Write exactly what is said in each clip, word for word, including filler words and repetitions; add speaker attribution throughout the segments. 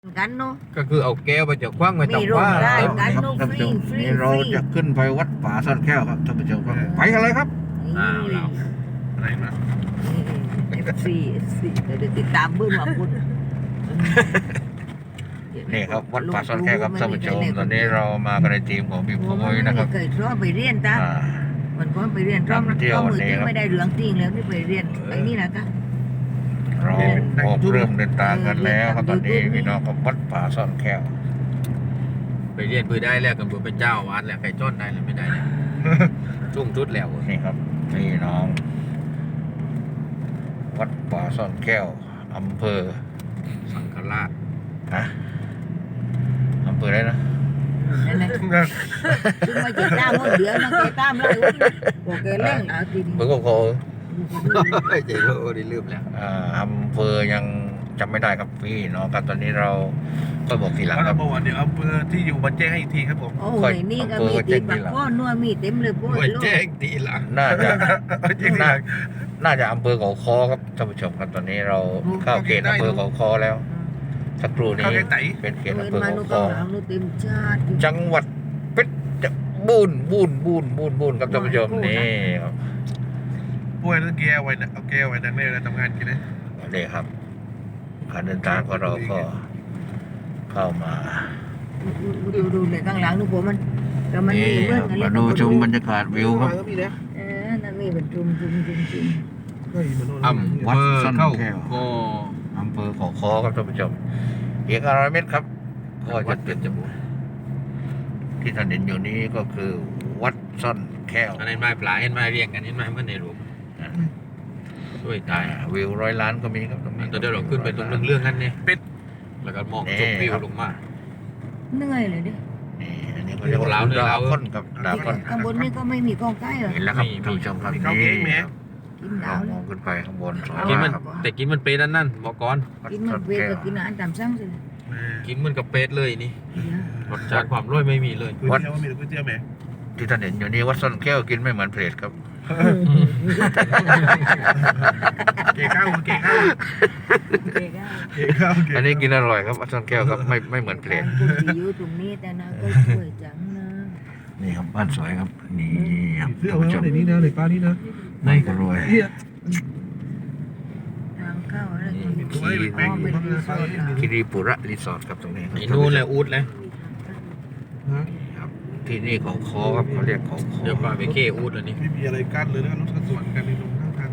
Speaker 1: กันเนาะ
Speaker 2: ก็คือเอาแก้วไปจากคว้างมา
Speaker 1: มี
Speaker 2: จาก
Speaker 1: โรง
Speaker 2: ว่า
Speaker 1: ได้
Speaker 2: เออ
Speaker 1: กัน
Speaker 3: ครับ
Speaker 1: เนาะ
Speaker 3: ท่าน
Speaker 1: ฟ
Speaker 3: ผู้
Speaker 1: รี
Speaker 3: ชม
Speaker 1: ฟรี
Speaker 3: นี่เรา
Speaker 1: ฟรี
Speaker 3: จะขึ้นไปวัดป่าซ่อนแก้วครับท่านผู้ชมครับไปกันเลยครับ
Speaker 2: อ้าวเรา
Speaker 4: อะไรนะ
Speaker 1: เอฟซีเอฟซีเดี๋ยวติดตามเบื้องหลังคุณ
Speaker 3: นี่ครับวัดป่าซ่อนแก้วครับท่านผู้ชมตอนนี้เรามากันในทีมของพี่พงศ์นะครับ
Speaker 1: เคยชอบไปเรียนจ้ะ
Speaker 3: อ่า
Speaker 1: มันก็ไปเรียนรอบ
Speaker 3: เที่ยว
Speaker 1: รอบ
Speaker 3: วัน
Speaker 1: มือ
Speaker 3: นี้
Speaker 1: ที่
Speaker 3: ครับ
Speaker 1: ไม่ได้เหลืองจริงแล้วนี่ไปเรียนไอ้นี่นะจ๊ะ
Speaker 3: เราออกเริ่มเดินทางกันแล้วครับตอนนี้พี่น้องกับวัดป่าซ่อนแก้ว
Speaker 2: ไปเรียนปืนได้แล้วกับบุญเป็นเจ้าวัดแล้วใครจ้อนได้แล้วไม่ได้แล้วชุ่มชุดแล้ว
Speaker 3: นี่ครับพี่น้อง วัดป่าซ่อนแก้วอำเภอ
Speaker 2: สังฆราช
Speaker 3: นะอำเภออะไรนะ
Speaker 1: นั่นแหละซึ่งไม่เจ็บตามหมดเดือนนะเจ็บตามเลยบอกแกเล่นแล้วทีนี้
Speaker 3: เมืองโค
Speaker 2: เจ๋งเลยโอ้ดีลืมแล้ว
Speaker 3: อ่าอำเภอยังจำไม่ได้ครับพี่น้องครับตอนนี้เราก็บอกทีหลัง
Speaker 4: เอา
Speaker 3: ครั
Speaker 4: ละ
Speaker 3: บ
Speaker 4: บอกว่าเดี๋ยวอำเภอที่อยู่มาแจ้งให้อีกทีครับผม
Speaker 1: โอ้ยนี่ก็มีตีปักก้อนนัวมีเต็มเลยพวก
Speaker 2: ไม่แจ้งทีหลัง
Speaker 3: น่าจะ
Speaker 4: แจ้งทีห
Speaker 3: น่า
Speaker 4: ลัง
Speaker 3: น่าจะอำเภอเขาคอครับท่านผู้ชมครับตอนนี้เราเข้าเขตอำเภอเขาคอแล้วสักครู่นี้
Speaker 4: เข้าแค่ไหน
Speaker 3: เป็นเขต
Speaker 1: เงิ
Speaker 3: อำ
Speaker 1: น
Speaker 3: เภอ
Speaker 1: มา
Speaker 3: เขา
Speaker 1: นุ
Speaker 3: ค
Speaker 1: ก็
Speaker 3: อ
Speaker 1: หลังนุเต็มชาติ
Speaker 3: จังหวัดเพชรบูรณ์บูรณ์บูรณ์บูรณ์บูรณ์ครับท่านผู้ชมนี่ครับ
Speaker 4: ป่วยต้องแก้วไว้นะเอาแก้วไว้นั่งเล่นแล้วทำงานกินเลย
Speaker 3: นี่ครับการเดินทางของเราก็เข้ามา
Speaker 1: ดูดูเลยข้างหลังนุผมมันแต่มันมีเบื้อง
Speaker 3: มาดูชมบรรยากาศวิวครับ
Speaker 4: ก็มีนะ
Speaker 1: เออนั่นนี่เป็นจุ่มจุ่มจุ่มจุ่ม
Speaker 4: ก็อยู่บนโน่น
Speaker 2: อำเภอเข้าก็
Speaker 3: อำเภอเขาคอครับท่านผู้ชมอีกอร้อยเมตรครับก็
Speaker 2: วั
Speaker 3: จะ
Speaker 2: ด
Speaker 3: เป็
Speaker 2: เป็น นจมูก
Speaker 3: ที่ท่านเห็นอยู่นี้ก็คือ วัดซ่อนแก้ว
Speaker 2: อันนี้ไม้ปลาเห็นไม้เรียงกันเห็นไม้เมื่อในรูปช่วยตาย
Speaker 3: วิวร้อยล้านก็มีครับตรงนี้
Speaker 2: ตอนเดี๋ยวเราขึ้นไปตรงเรื่องๆกันเนี่ยเป็ดแล้วก็มองชมวิวลงมา
Speaker 1: เหนื่อยเลยดิ
Speaker 3: นี่อันนี้ก็เรียกว่าดาวค้นกับดาวค้น
Speaker 1: ข้างบนนี่ก็ไม่มีกองใกล้เหรอ
Speaker 3: เห็นแล้วครับท่านผู้ชมครับนี่ครับ
Speaker 1: กิน
Speaker 3: เรา
Speaker 1: ดาว
Speaker 3: ม
Speaker 1: แล้
Speaker 3: อ
Speaker 1: ว
Speaker 3: งขึ้นไปข้างบนสวย
Speaker 2: กินมัน
Speaker 3: มากครับ
Speaker 2: แต่กินมันเป็ดนั่นนั่นบอกก่อน
Speaker 3: วัด
Speaker 1: กินมั
Speaker 3: ซ่อน น
Speaker 1: เวท
Speaker 3: แก้ว
Speaker 1: ก็กินอาหารตามสั่งสิ
Speaker 2: กินมันกับเป็ดเลยนี่รสชาติความร่อยไม่มีเลย
Speaker 4: ก๋วยเตี๋ยวมีก๋วยเตี๋ยวไหม
Speaker 3: ที่ท่านเห็นอยู่นี้วัดซ่อนแก้วกินไม่เหมือนเพลทครับ
Speaker 4: เก๋ข้าวเก๋ข้าวเก๋ข้าวเก๋
Speaker 3: อันนี้กินอร่อยครับวัดซ่อนแก้วครับไม่ไม่เหมือนเพลท
Speaker 1: คนที่อยู่ตรงนี้แต่นะก็สวยจังนะ
Speaker 3: นี่ครับบ้านสวยครับนี่ครับ
Speaker 4: เสื้อ
Speaker 3: ท่าน
Speaker 4: ไว้
Speaker 3: ผู้ชม
Speaker 4: ในนี้นะในป้านี่นะ
Speaker 3: ในก็รวย
Speaker 1: ทางเข้าอะไร
Speaker 4: ไว้ในแป้งอยู่ข้างหน้าป้า
Speaker 3: คิริปุระรีสอร์ทครับตรงนี้ครับ
Speaker 2: ไอ้นู่นแหละอูดเลย
Speaker 4: ฮะ
Speaker 3: ครับที่นี่เขาคอครับเขาเรียกเขาคอ
Speaker 2: เดี๋ยวปลาไปเค้อูดอันนี้
Speaker 4: ไม่มีอะไรกั้นเลยแล้วรถก็สวนกันในตรงข้างทาง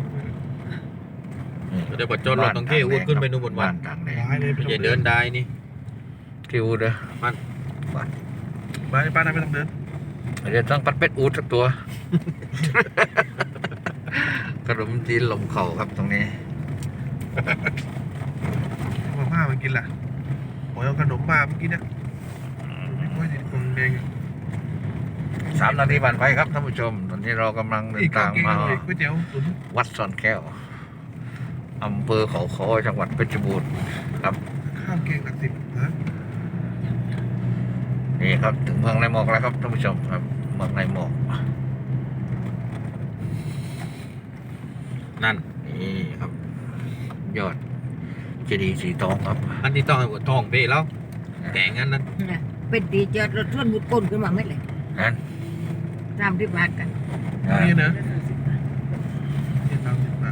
Speaker 2: เดี๋ยวปัจจุบันเราต้องเค้อูดขึ้นไปนู่นบนวั
Speaker 3: บ้าน นต่างแดน
Speaker 4: ร้ายเลย
Speaker 2: ไม่ใช่เดินได้นี่
Speaker 3: ที่อูดนะ
Speaker 2: บ้าน
Speaker 3: บ้าน
Speaker 4: บ้านป้าน่าไม่ต้องเดิน
Speaker 3: เดี๋ยวต้องปัดเป็ดอูดสักตัว ขนมจีนลมเข่าครับตรงนี้
Speaker 4: มาม่ามันกินล่ะโอ้ยเอาขนมมาเมื่อกี้เนี่ยไม่ค่อยดีกองแดง
Speaker 3: สามนาทีผ่านไปครับท่านผู้ชม ตอนนี้เรากำลังเดิ
Speaker 4: อี
Speaker 3: น
Speaker 4: กกา
Speaker 3: ทาง ง
Speaker 4: เก่ง
Speaker 3: มา
Speaker 4: เลยก๋วยเตี๋ยวตุ๋น
Speaker 3: วัดซ่อนแก้วอำเภอเขาคอจังหวัดเพชรบูรณ์ครับ
Speaker 4: ข้าวเก่งหลักสิบฮะ
Speaker 3: นี่ครับถึงเมืองในหมอกแล้วครับท่านผู้ชมครับเมืองในหมอก
Speaker 2: นั่น
Speaker 3: นี่ครับ ยอดเจดีย์สีทองครับ
Speaker 2: อันที่ต้องให้หัวทองเบ้แล้วแกงอันนั้น
Speaker 1: เป็นดีเจอรถชนมุดก้นขึ้นมาไม่เลย
Speaker 3: นั้น
Speaker 1: ตามที่บาทกัน
Speaker 4: นี่นะนี่สามสิบบาท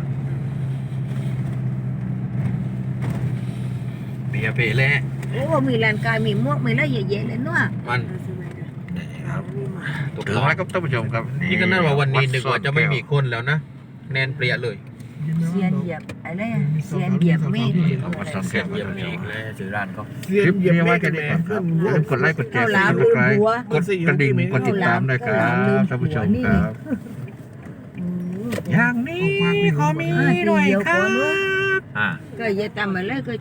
Speaker 2: เบียร์เปแล้ว
Speaker 1: โอ้มีแลนกายมีมวกมีอะไรเยอะๆเลยเนาะ
Speaker 2: มัน
Speaker 3: นี่ครับ
Speaker 2: ตก
Speaker 3: ถึง
Speaker 2: ต่อ
Speaker 3: แล้วครับท่านผู้ชมครับ
Speaker 2: นี่ก็นั่นว่าวันนี้นึกว่าจะไม่มี
Speaker 3: วัด
Speaker 2: คนแล้วนะแน่นเปรี้ยเลย
Speaker 1: เสียนเหยียบอะไรเสียนเหยียบเมฆ
Speaker 3: ซ่อนแก้ววัดซ่อนแก้ว
Speaker 2: เยี่ยมอีกแล้วชื่อร้านเขา
Speaker 3: คลิปนี้ไว้แค่นี้ก่อนครับอย่าลืมกดไลค์กดแชร์กดติดตามกดกระดิ่งกดติดตามด้วยครับท่านผู้ชมครับอย่างนี้ขอมีหน่อยครับ
Speaker 2: อ่า
Speaker 1: ก็อย่าทำอะไรก็